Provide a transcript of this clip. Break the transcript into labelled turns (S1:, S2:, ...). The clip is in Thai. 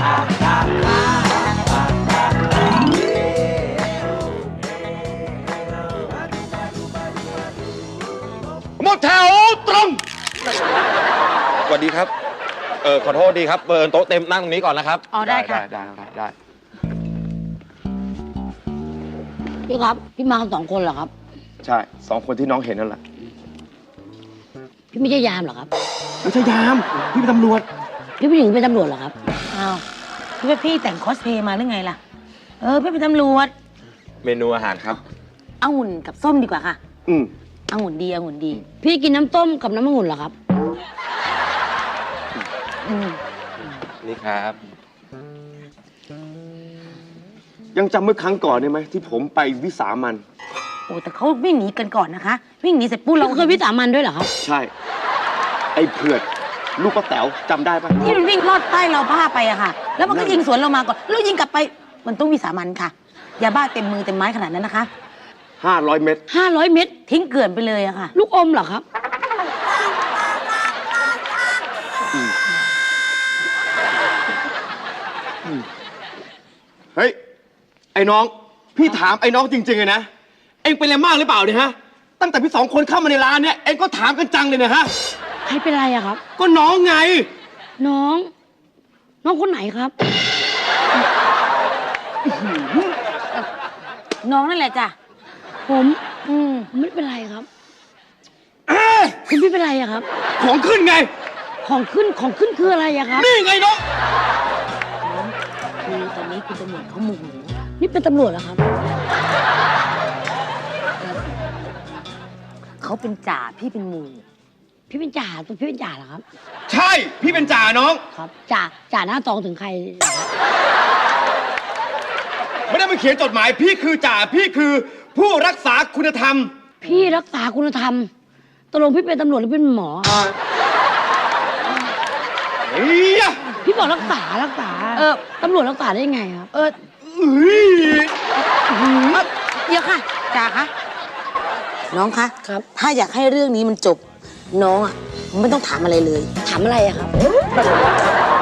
S1: หมดแถวตรงสวัสดีครับขอโทษดีครับโต๊ะเต็มนั่งตรงนี้ก่อนนะครับ
S2: อ๋อได้ค่ะ
S1: ได้
S3: พี่ครับพี่มากัน2 คนเหรอครับ
S1: ใช่2 คนที่น้องเห็นนั่นแหละ
S3: พี่ไม่ใช่ยามเหรอครับ
S1: ไม่ใช่ยามพี่เป็นตำรวจ
S3: พี่ผู้หญิงเป็นตำรวจเหรอครับ
S2: อ้าวพี่แต่งคอสเพลย์มาหรือไงล่ะพี่เป็นตำรวจ
S1: เมนูอาหารครับ
S2: องุ่นกับส้มดีกว่าค่ะองุ่นดี
S3: พี่กินน้ำต้มกับน้ำองุ่นเหรอครับ
S1: นี่ครับยังจำเมื่อครั้งก่อนได้ไหมที่ผมไปวิสามัน
S2: โอ้แต่เขาวิ่งหนีกันก่อนนะคะวิ่งหนีเสร็จปุ๊บเรา
S3: เคยวิสามันด้วยเหรอครับ
S1: ใช่ไอ้เผือกลูกป้าแต๋วจำได้ปะ
S2: ที่มันวิ่งลอดใต้เราผ้าไปอะค่ะแล้วมันก็ยิงสวนเรามาก่อนแล้วยิงกลับไปมันต้องวิสามันค่ะยาบ้าเต็มมือเต็มไม้ขนาดนั้นนะคะ
S1: 500 เม็ด
S3: 500 เม็ด
S2: ทิ้งเกลื่อนไปเลยอะค่ะ
S3: ลูกอมเหรอครับ
S1: เฮ้ยไอ้น้องพี่ถามไอ้น้องจริงๆเลยนะเอ็งเป็นอะไรมากหรือเปล่าเนี่ยฮะตั้งแต่พี่2 คนเข้ามาในร้านเนี่ยเอ็งก็ถามกันจังเลยนะฮะ
S3: ใครเป็นไรอะครับ
S1: ก็น้องไง
S3: น้องคนไหนครับ
S2: น้องนั่นแหละจ้ะ
S3: ผมไม่เป็นไรครับคุณพี่เป็นไรอะครับ
S1: ของขึ้นไง
S3: ของขึ้นคืออะไรอะครับ
S1: นี่ไงน้อง
S2: คือตอนนี้คุณตำรวจเขาโมโห
S3: นี่เป็นตำรวจเหรอครับ
S2: เขาเป็นจ่าพี่เป็นหมู่
S3: พี่เป็นจ่าตัวพี่เป็นจ่าเหรอครับ
S1: ใช่พี่เป็นจ่าน้อง
S3: ครับจ่าหน้าตองถึงใคร
S1: ไม่ได้มาเขียนจดหมายพี่คือจ่าพี่คือผู้รักษาคุณธรรม
S3: พี่รักษาคุณธรรมตกลงพี่เป็นตำรวจหรือเป็นหมอพี่บอกรักษาตำรวจรักษาได้ไงครับ
S2: เดี๋ยวค่ะจ่าคะน้องคะ
S3: ครับ
S2: ถ้าอยากให้เรื่องนี้มันจบน้องอ่ะไม่ต้องถามอะไรเลย
S3: ถามอะไรอะครับ